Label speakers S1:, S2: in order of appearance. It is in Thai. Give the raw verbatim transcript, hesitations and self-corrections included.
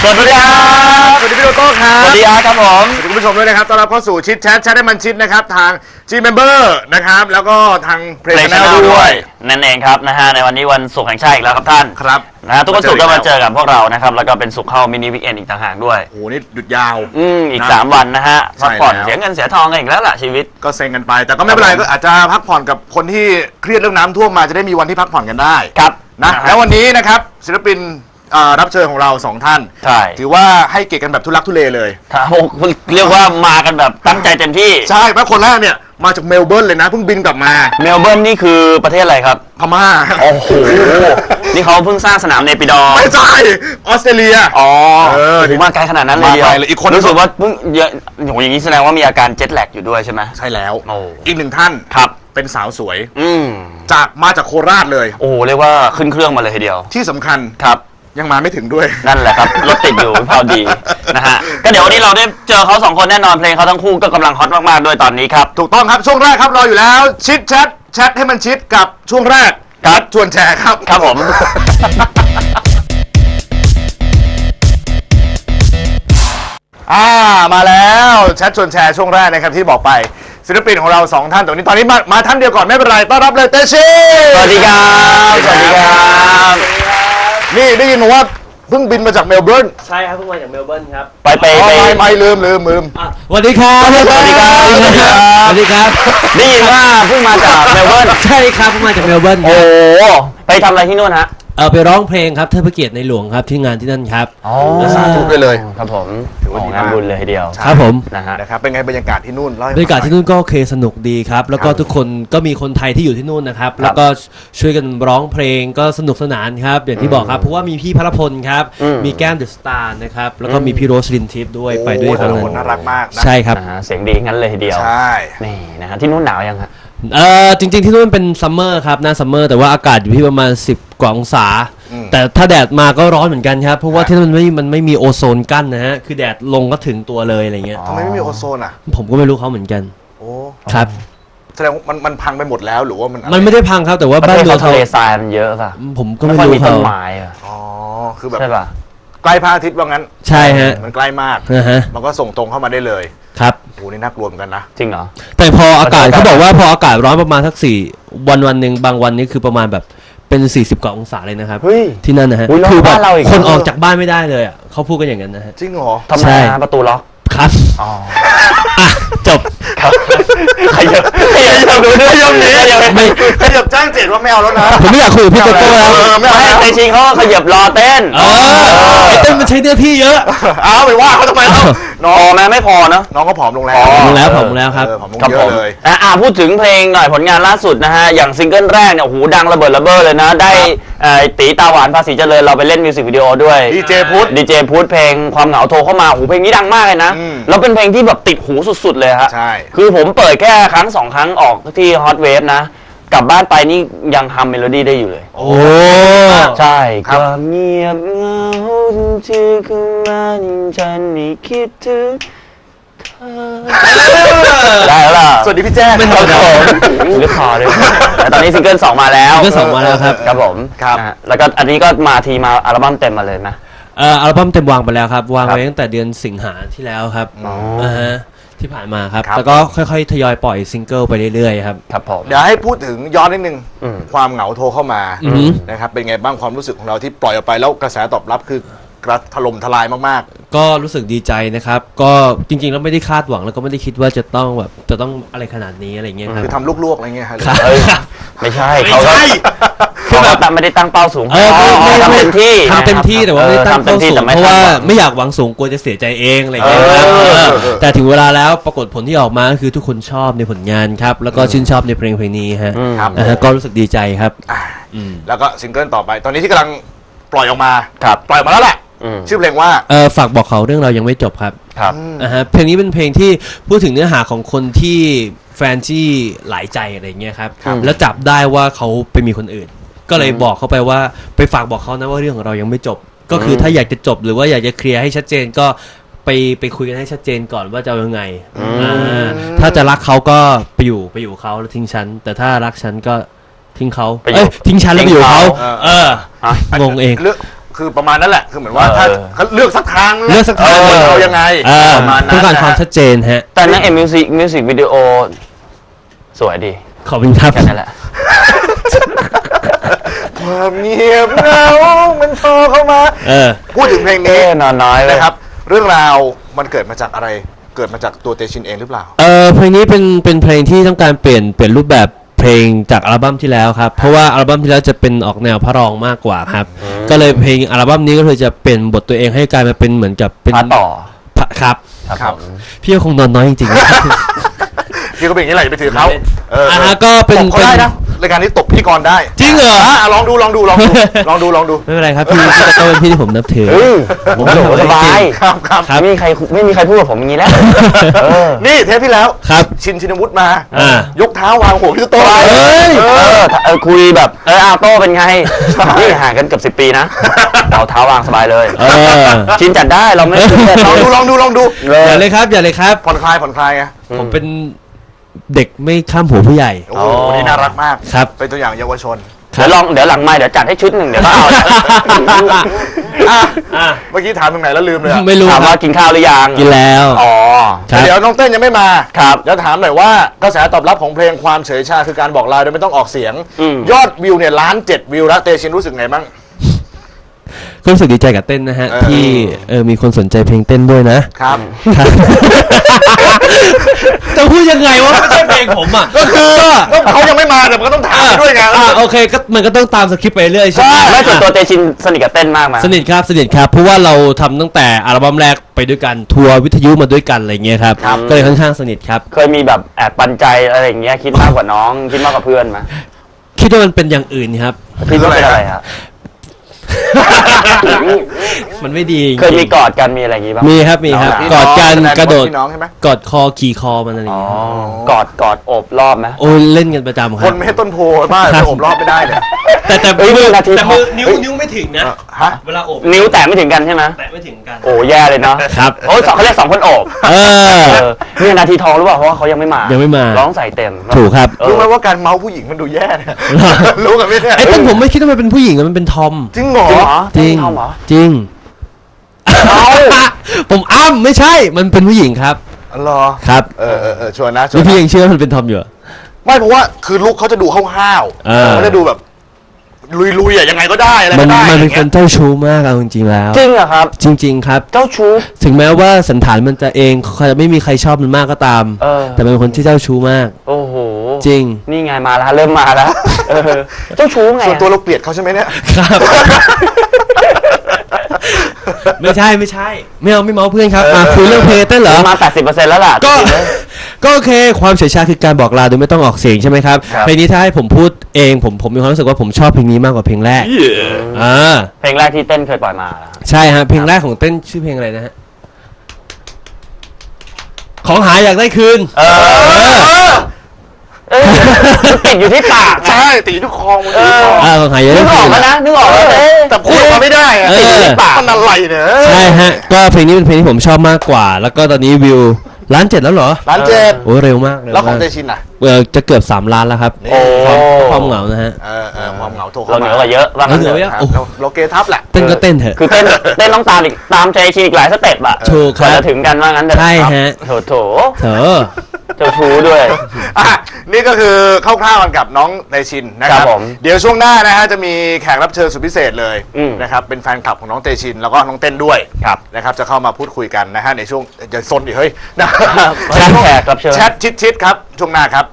S1: สวัสดีครับสวัสดีพี่โตโต้ครับสวัสดีครับผมสวัสดีคุณผู้ชมด้วยนะครับต้อนรับเข้าสู่ชิดแชทแชทให้มันชิดนะครับทาง G-Member นะครับแล้วก็ทาง Play Channel ด้วย
S2: นั่นเองครับนะฮะในวันนี้วันศุกร์แห่งชาติอีกแล้วครับท่าน
S1: ครับ
S2: นะฮะทุกวันศุกร์ก็มาเจอกับพวกเรานะครับแล้วก็เป็นศุกร์เข้ามินิวิกเอนด์อีกต่างหากด้วย
S1: โอ้โหนี่หยุดยาว
S2: อืมอีกสามวันนะฮะพักผ่อนเสียเงินเสียทองกันอีกแล้วล่ะชีวิต
S1: ก็เซ็งกันไปแต่ก็ไม่เป็นไรก็อาจจะพักผ่อนกับคนที่เครียดเรื่องน้ำท่วมมาจะได้มีวันที่พักผ่อนกันได้
S2: ครับ
S1: นะแล้ววันนี้นะครับศิลปินรับเชิญของเราสองท่าน
S2: ใช่
S1: ถือว่าให้เกียรติกันแบบทุลักทุเลเลย
S2: ครับเรียกว่ามากันแบบตั้งใจเต็มที่
S1: ใช่เพราะคนแรกเนี่ยมาจากเมลเบิร์นเลยนะเพิ่งบินกลับมา
S2: เมลเบิร์นนี่คือประเทศอะไรครับ
S1: พม่า
S2: โอ้โหนี่เขาเพิ่งสร้างสนามเนปิดอร์
S1: ไม่ใช่ออสเตรเลีย
S2: อ๋อเออถึงมาไกลขนาดนั้นเลยเดียว
S1: อีกคน
S2: รู้สึกว่าเพิ่งเยอะโหอย่างนี้แสดงว่ามีอาการเจ็ตแลกอยู่ด้วยใช่ไหม
S1: ใช่แล้วอีกหนึ่งท่าน
S2: ครับ
S1: เป็นสาวสวย
S2: อืม
S1: จากมาจากโคราชเลย
S2: โอ้เรียกว่าขึ้นเครื่องมาเลยทีเดียว
S1: ที่สำคัญ
S2: ครับ
S1: ยังมาไม่ถึงด้วย
S2: นั่นแหละครับรถติดอยู่พอดีนะฮะก็เดี๋ยววันนี้เราได้เจอเขาสองคนแน่นอนเพลงเขาทั้งคู่ก็กำลังฮอตมากๆด้วยตอนนี้ครับ
S1: ถูกต้องครับช่วงแรกครับรออยู่แล้วชิดแชทแชทให้มันชิดกับช่วงแรก
S2: ครับ
S1: ชวนแชร์ครับ
S2: ครับผม
S1: อ่ามาแล้วแชทชวนแชร์ช่วงแรกนะครับที่บอกไปศิลปินของเราสองท่านตรงนี้ตอนนี้มามาท่านเดียวก่อนไม่เป็นไรต้อนรับเลยเตชิ
S2: สวัสดีครับสวัสดีครับ
S1: นี่ได้ยินว่าเพิ่งบินมาจากเมลเบิร์น
S3: ใช่ครับเพิ่งมาจากเมลเบิร์นครับ
S2: ไปไปไป
S1: ไม่ลืมลืมลืม
S3: สวัสดีครับ
S2: สวัสดีครับ
S3: สวัสดีครับ
S2: ได้ยินว่าเพิ่งมาจากเมลเบิร์น
S3: ใช่ครับเพิ่งมาจากเมลเบิร์น
S2: โอ้ไปทำอะไรที่นู่นฮะ
S3: เออไปร้องเพลงครับเทิดพระเกียรติในหลวงครับที่งานที่นั่นครับ
S2: อ๋อ
S1: สาธุไปเลย
S2: ครับผมถือว่างานบุญเลยทีเดียว
S3: ครับผม
S1: นะฮะนะครับเป็นไงบรรยากาศที่นู่น
S3: บรรยากาศที่นู่นก็โอเคสนุกดีครับแล้วก็ทุกคนก็มีคนไทยที่อยู่ที่นู่นนะครับแล้วก็ช่วยกันร้องเพลงก็สนุกสนานครับอย่างที่บอกครับเพราะว่ามีพี่พระพลครับมีแก้มเดอะสตาร์นะครับแล้วก็มีพี่โรสลินทิพย์ด้วยไปด้วย
S1: ครับน่ารักมาก
S3: ใช่ครับ
S2: เสียงดีงั้นเลยทีเดียว
S1: ใช่
S2: นี่นะฮะที่นู่นหนาวยังฮะ
S3: เออจริงๆที่นู่นเป็นซัมเมอร์ครับหน้าซัมเมอร์แต่ว่าอากาศอยู่ที่ประมาณสิบกว่าองศาแต่ถ้าแดดมาก็ร้อนเหมือนกันครับเพราะว่าที่นั่นไม่มันไม่มีโอโซนกั้นนะฮะคือแดดลงก็ถึงตัวเลยอะไรเงี้ย
S1: ทำไมไม่มีโอโซนอ่ะ
S3: ผมก็ไม่รู้เขาเหมือนกัน
S1: โอ้
S3: ครับ
S1: แสดงว่ามันมันพังไปหมดแล้วหรือว่ามัน
S3: มันไม่ได้พังครับแต่ว่า
S2: บ้าน
S3: เมื
S2: องทะเลทรายมันเยอะป่ะ
S3: ผมก็ไม่รู้
S2: เขาต้นไม้อ่ะ
S1: อ๋อคือแบบ
S2: ใช่ป่ะ
S1: ใกล้พระอาทิตย์ว่างั้น
S3: ใช่ฮะ
S1: มันใกล้มากมันก็ส่งตรงเข้ามาได้เลย
S3: ครับ
S1: โอ้นี่น่ากลัวเหมือนกันนะ
S2: จริงเหรอ
S3: แต่พออากาศเขาบอกว่าพออากาศร้อนประมาณสักสี่วันวันหนึ่งบางวันนี้คือประมาณแบบเป็นสี่สิบกว่าองศาเลยนะครับที่นั่นนะฮะ
S2: คือ
S3: แบบคนออกจากบ้านไม่ได้เลยอ่ะเขาพูดกันอย่างนั้นนะฮะ
S1: จริงเหรอ
S2: ทำไมประตูล็อก
S3: ครับ
S2: อ๋อ
S3: จบ
S2: ครับขยับขยับดูด้วยยมนี้
S1: ไม่ขยับจ้างเจ็ดว่าไม่เอาแล้วนะ
S3: ผมไม่อยากคุยกับพี่โตโต้แล้ว
S1: ไม่เอา
S2: แต่จริงเขาขยับรอเต้น
S3: เออเต้นมันใช้เนื้อที่เยอะ
S1: เอาไปว่าเขาทำไมครับ
S2: น้องแม่ไม่พอเนาะ
S1: น้องก็ผอมลงแล้ว
S3: ผอมลงแล้วผอมลงแล้วครับ
S1: ผอมลงเยอะเลย
S2: อ่าพูดถึงเพลงหน่อยผลงานล่าสุดนะฮะอย่างซิงเกิลแรกเนี่ยโอ้โหดังระเบิดระเบ้อเลยนะได้ตีตาหวานภาษีเจริญเราไปเล่นมิวสิกวิดีโอด้วย
S1: ดีเจพุทธ
S2: ดีเจพุทธเพลงความเหงาโทรเข้ามาโอ้โหเพลงนี้ดังมากเลยนะแล้วเป็นเพลงที่แบบติดหูสุดๆเลยฮะ
S1: ใช่
S2: คือผมเปิดแค่ครั้งสองครั้งออกที่ฮอตเวฟนะกลับบ้านไปนี่ยังฮัมเมโลดี้ได้อยู่เลย
S3: โอ้
S2: ใช่ความเงียบเหงาที่คือมันฉันนี่คิดถึงได้แล้วล่ะ
S1: สวัสดีพี่แจ้
S3: ไม่ต้อง
S2: ผมลึกคอเลยแต่ตอนนี้ซิงเกิลสองมาแล้ว
S3: ซิงเกิลสองมาแล้วครับ
S2: ครับผม
S1: ครับ
S2: แล้วก็อันนี้ก็มาทีมาอัลบั้มเต็มมาเลยนะ
S3: เอ่ออัลบั้มเต็มวางไปแล้วครับวางไว้ตั้งแต่เดือนสิงหาที่แล้วครับอ่าฮะที่ผ่านมาครับแล้วก็ค่อยๆทยอยปล่อยซิงเกิลไปเรื่อยๆครับ
S2: ครับผม
S1: เดี๋ยวให้พูดถึงย้อนนิดนึงความเหงาโทรเข้ามานะครับเป็นไงบ้างความรู้สึกของเราที่ปล่อยออกไปแล้วกระแสตอบรับคือกระถล่มทลายมาก
S3: ๆก็รู้สึกดีใจนะครับก็จริงๆแล้วไม่ได้คาดหวังแล้วก็ไม่ได้คิดว่าจะต้องแบบจะต้องอะไรขนาดนี้อะไรเงี้ย
S1: คือทำลวกๆอะไรเงี้ยครับ
S2: ไม่ใช่เขาก็คือแบบไม่ได้ตั้งเป้าสูง
S3: เออไม่
S2: ทำเต็มที่
S3: ทำเต็มที่แต่ว่าไม่ได้ตั้งเป้าสูงเพราะว่าไม่อยากหวังสูงกลัวจะเสียใจเองอะไรเงี้ยแต่ถึงเวลาแล้วปรากฏผลที่ออกมาคือทุกคนชอบในผลงานครับแล้วก็ชื่นชอบในเพลงเพลงนี้ฮะก็รู้สึกดีใจครับ
S1: แล้วก็ซิงเกิลต่อไปตอนนี้ที่กำลังปล่อยออกมา
S2: ครับ
S1: ปล่อยมาแล้วแหละชื่อเพลงว่า
S3: เออฝากบอกเขาเรื่องเรายังไม่จบครับ
S2: ครับ
S3: นะฮะเพลงนี้เป็นเพลงที่พูดถึงเนื้อหาของคนที่แฟนที่หลายใจอะไรเงี้ยครับแล้วจับได้ว่าเขาไปมีคนอื่นก็เลยบอกเขาไปว่าไปฝากบอกเขานะว่าเรื่องของเรายังไม่จบก็คือถ้าอยากจะจบหรือว่าอยากจะเคลียร์ให้ชัดเจนก็ไปไปคุยกันให้ชัดเจนก่อนว่าจะเอายังไงถ้าจะรักเขาก็ไปอยู่ไปอยู่เขาแล้วทิ้งฉันแต่ถ้ารักฉันก็ทิ้งเขาเอ้ยทิ้งฉันแล้วไปอยู่เขาเอองงเอง
S1: คือประมาณนั้นแหละคือเหมือนว่าถ้า
S2: เออ
S1: เขาเลือกสักทางนะ
S3: เลือกสักทาง
S1: เออเอายังไง
S3: เออ
S1: ประมาณนั้
S3: ต้อนงการ
S1: นะ
S3: ความ
S1: ฮะ
S3: ชัดเจนฮะ
S2: แต่นักเอ็มมิวสิกมิวสิกวิดีโอสวยดี
S3: ขอบคุณครับ
S2: แค่นั้นแหละ
S1: ความเงียบเหงามันโทรเข้ามา
S3: เออ
S1: พูดถึงเพลง
S2: เอ๊
S1: นี้
S2: นอนน้อยเลย
S1: นะครับ เรื่องราวมันเกิดมาจากอะไรเกิดมาจากตัวเตชินเองหรือเปล่า
S3: เออเพลงนี้เป็นเป็นเพลงที่ต้องการเปลี่ยนเปลี่ยนรูปแบบเพลงจากอัลบั้มที่แล้วครับ เพราะว่าอัลบั้มที่แล้วจะเป็นออกแนวพระรองมากกว่าครับ ก็เลยเพลงอัลบั้มนี้ก็เลยจะเปลี่ยนบทตัวเองให้กลายมาเป็นเหมือนกับเป็น
S2: พาต่อ
S3: พระครับ
S2: ครับ
S1: ครับ
S2: ผม
S3: พี่ก็คงนอนน้อยจริงๆนะครับ
S1: พี่ก็เป็นอย่างนี้แหละอย่าไปถือเขาเออ
S3: อ่าฮะก็เป็น
S1: ตบเขาได้นะรายการนี้ตบพิธีกรได้
S3: จริงเหรอ
S1: ะลองดูลองดูลองดูลองดูลองดู
S3: ไม่เป็นไรครับพี่พี่ก็เป็นพี่ที่ผมนับถือ
S2: เฮ้ยผม
S3: ไม่
S2: โห
S3: ทำอะไร
S2: สบาย
S1: ครับครับ
S3: ครับ
S2: ไม่มีใครไม่มีใครพูดกับผมอย่างนี้แล้วเออ
S1: นี่เทปที่แล้ว
S3: ครับ
S1: ชินชินวุฒิมา
S3: อ่า
S1: ยกเท้าวางหัวพี่โต้
S3: เฮ้ย
S2: เออเออคุยแบบเอออาโต้เป็นไงนี่ห่างกันเกือบสิบปีนะเราเท้าวางสบายเลย
S3: เออ
S2: ชินจัดได้เราไม่ชินจัด
S1: ลองดูลองดูลองดู
S2: เล
S3: อย่าย เลยครับอย่าเลยครับ
S1: ผ่อนคลายผ่อนคลายไง
S3: ผมเป็นเด็กไม่ข้ามหัวผู้ใหญ่
S1: โอ้โหวันนี้น่ารักมาก
S3: ครับ
S1: เป็นตัวอย่างเยาวชน
S2: เดี๋ยวลองเดี๋ยวหลังไม่เดี๋ยวจัดให้ชุดหนึ่งเดี๋ยวก็เอา
S1: อ่ะ
S3: อ่ะ
S1: เมื่อกี้ถามตรงไหนแล้วลืมเลยอะ
S3: ไม่รู้
S2: ถาม
S3: ค
S2: ว่า
S3: รับ
S2: กินข้าวหรือยัง
S3: กินแล้ว
S2: อ๋อ
S3: ครับ
S1: เดี๋ยวน้องเต้นยังไม่มา
S2: ครับ
S1: เดี๋ยวถามหน่อยว่ากระแสตอบรับของเพลงความเฉยชาคือการบอกลาโดยไม่ต้องออกเสียง
S2: อืม
S1: ยอดวิวเนี่ยล้านเจ็ดวิวแล้วเตชินรู้สึกไงบ้าง
S3: ก็รู้สึกดีใจกับเต้นนะฮะ
S1: เออ
S3: ที่เออมีคนสนใจเพลงเต้นด้วยนะครับ ครับ จะพูดยังไงว่าไม่ใช่เพลงผมอ่ะ
S1: ก็คือก็เขายังไม่มาแต่มันก็ต้องถามไปด้วยไง
S3: อ่าโอเคก็มันก็ต้องตามสคริปต์ไปเรื่อยใช่ไหม
S2: ไม่ส่วนตัวเตชินสนิทกับเต้นมากไหม
S3: สนิทครับสนิทครับเพราะว่าเราทำตั้งแต่อัลบั้มแรกไปด้วยกันทัวร์วิทยุมาด้วยกันอะไรเงี้ยครับก็เลยค่อนข้างสนิทครับ
S2: เคยมีแบบแอบปันใจอะไรอย่างเงี้ยคิดมากกว่าน้องคิดมากกว่าเพื่อนไหม
S3: คิดว่ามันเป็นอย่างอื่นครับ
S2: คิดว่าเป็นอะไรครับ
S3: มันไม่ดีจริงๆ
S2: เคยมีกอดกันมีอะไรอย่างงี้บ้าง
S3: มีครับมีครับ
S1: พี่
S3: กอดกัน
S1: แสง
S3: กระโดด
S1: พี่น้องใช่ไหม
S3: กอดคอขี่คอมันอะไร
S2: อ๋อ
S3: เงี้ย
S2: กอดกอดโอบรอบไหม
S3: โอ้ยเล่นกันประจำค
S1: ค
S3: รั
S1: น
S3: บ
S1: ไม่ให้ต้นโพมาก
S3: ครับ
S1: ผมรอบไม่ได้เนี่ย
S3: แต่แต่
S2: เฮ้ย
S3: มือ
S2: นาที
S3: แต่มือ
S2: ทอง
S3: นิ้วนิ้วไม่ถึงนะ
S1: เออฮะ
S3: เวลาโอบ
S2: นิ้วแตะไม่ถึงกันใช่ไหม
S3: แตะไม่ถึงกัน
S2: โอ้แย่เลยเนาะ
S3: ครับ
S2: โอ้ยสองเขาเรียกสองคนโอบ
S3: เออ
S2: เออนี่นาทีทองหรือเปล่าเพราะว่าเขายังไม่มา
S3: ยั
S2: ยัง
S3: ไม่มา
S2: ร้องใส่เต็ม
S3: ถูกครับ
S2: เออ
S1: รู้ไหมว่าการเมาส์ผู้หญิงมันดูแย่เนี่ย รู้กันไหมเนี่ย
S3: ไอ้ต้นผมไม่คิดว่ามันเป็นผู้หญิงอะมันเป็นทอม
S1: จริงเหรอ
S2: จริงเหรอ
S3: จริง
S2: ทอมเหรอ
S3: จริง
S2: เอา
S3: ผมอ้ำไม่ใช่ มันเป็นผู้หญิงครับ
S1: เหรอ
S3: ครับ
S1: เออเออเออชวนนะชว
S3: แล้
S1: น
S3: วพี่
S1: นะ
S3: ยังเชื่อว่ามันเป็นทอมอยู่เหรอ
S1: ไม่เพราะว่าคือลุคเขาจะดูห้าว
S3: เออ
S1: ๆเขาจะดูแบบลุยๆอ่ะยังไงก็ได้อะไร
S3: มัน
S1: ก็ได้
S3: มันเป็น
S1: อย่าง
S3: ค
S1: งี้
S3: น
S1: ย
S3: เจ้าชู้มากเอาจริงๆแล้ว
S2: จริงเหรอครับ
S3: จริง ๆ ครับ
S2: เจ้าชู้
S3: ถึงแม้ว่าสันฐานมันจะเองจะไม่มีใครชอบมันมากก็ตาม
S2: เออ
S3: แต่มันเป็นคนที่เจ้าชู้มาก
S2: โอ้โห
S3: จริง
S2: นี่ไงมาแล้วเริ่มมาแล้วเออเจ้าชู้ไง
S1: ส่วนตัวเราเกลียดเขาใช่ไหมเนี่ย
S3: ครับ ไม่ใช่ไม่ใช่ ไม่เอาไม่เมาเพื่อนครับมาคุยเรื่องเพลงเต้นเหรอ
S2: มา แปดสิบเปอร์เซ็นต์ แล้วล่ะ
S3: ก็
S2: จริงๆเลย
S3: ก็โอเคความเฉยชาคือการบอกลาโดยไม่ต้องออกเสียงใช่ไหมครับ
S1: ครับ
S3: เพลงนี้ถ้าให้ผมพูดเองผมผมมีความรู้สึกว่าผมชอบเพลงนี้มากกว่าเพลงแรกอ่า
S2: เพลงแรกที่เต้นเคยปล่อยมาเหรอ
S3: ใช่ฮะเพลงแรกของเต้นชื่อเพลงอะไรนะฮะของหายอยากได้คืน
S2: เออ เออมันติดอยู่ที่ปากอะ
S1: ใช่ตีทุกคอมันตีทุกคอ
S3: อ่าของหายอยาก
S2: นึ
S3: ได้
S2: กอ
S3: คื
S2: อก
S3: น
S2: แล้วนะนึกออกแล้วเอ๊ะ
S1: แต่พูดออกมาไม่ได้อะ
S3: เออ
S1: ติดในปากมันอะไรเนี่ย
S3: ใช่ฮะก็เพลงนี้เป็นเพลงที่ผมชอบมากกว่า แล้วก็ตอนนี้วิวล้านเจ็ดแล้วเหรอ
S1: ร้านเจ็ด
S3: โอ้เร็วมากเร็ว
S1: แล้วของ
S3: มาก
S1: เตชินอ่ะ
S3: เออจะเกือบสามล้านแล้วครับ
S1: นี่
S2: โอ้
S3: ความเหงานะฮะ
S1: เออเออความเหงาโทร
S2: เรา
S1: เข้า
S2: เหนื
S1: มา
S2: อกว่าเยอะว่างั้น
S3: เราเหนือกว่าเย
S2: เถ
S3: อะ
S2: อะ
S1: ครับเราเราเกทับแหละ
S3: เต้นก็เต้นเถอะ
S2: คือเต้นเต้นต้องตามอีกตามใจชินอีกหลายสเต็ปอะ
S3: ถูกครับ
S2: กว่าจะถึงกันว่างั้นเถอะ
S3: ใช่ฮะ
S2: โถโถ
S3: เถอะ
S2: เจ้าชู้ด้วย
S1: อ่ะนี่ก็คือคร่าวๆกันกับน้องเตชินนะครั
S2: ครับ บผม
S1: เดี๋ยวช่วงหน้านะฮะจะมีแขกรับเชิญสุดพิเศษเลย
S2: อืม
S1: นะครับเป็นแฟนคลับของน้องเตชินแล้วก็น้องเต้นด้วยนะครับจะเข้ามาพูดคุยกันนะฮะในช่วงจะซนดิเฮ้ยนะ
S2: แขกรับเชิญ
S1: แชทชิดๆครับช่วงหน้าครับ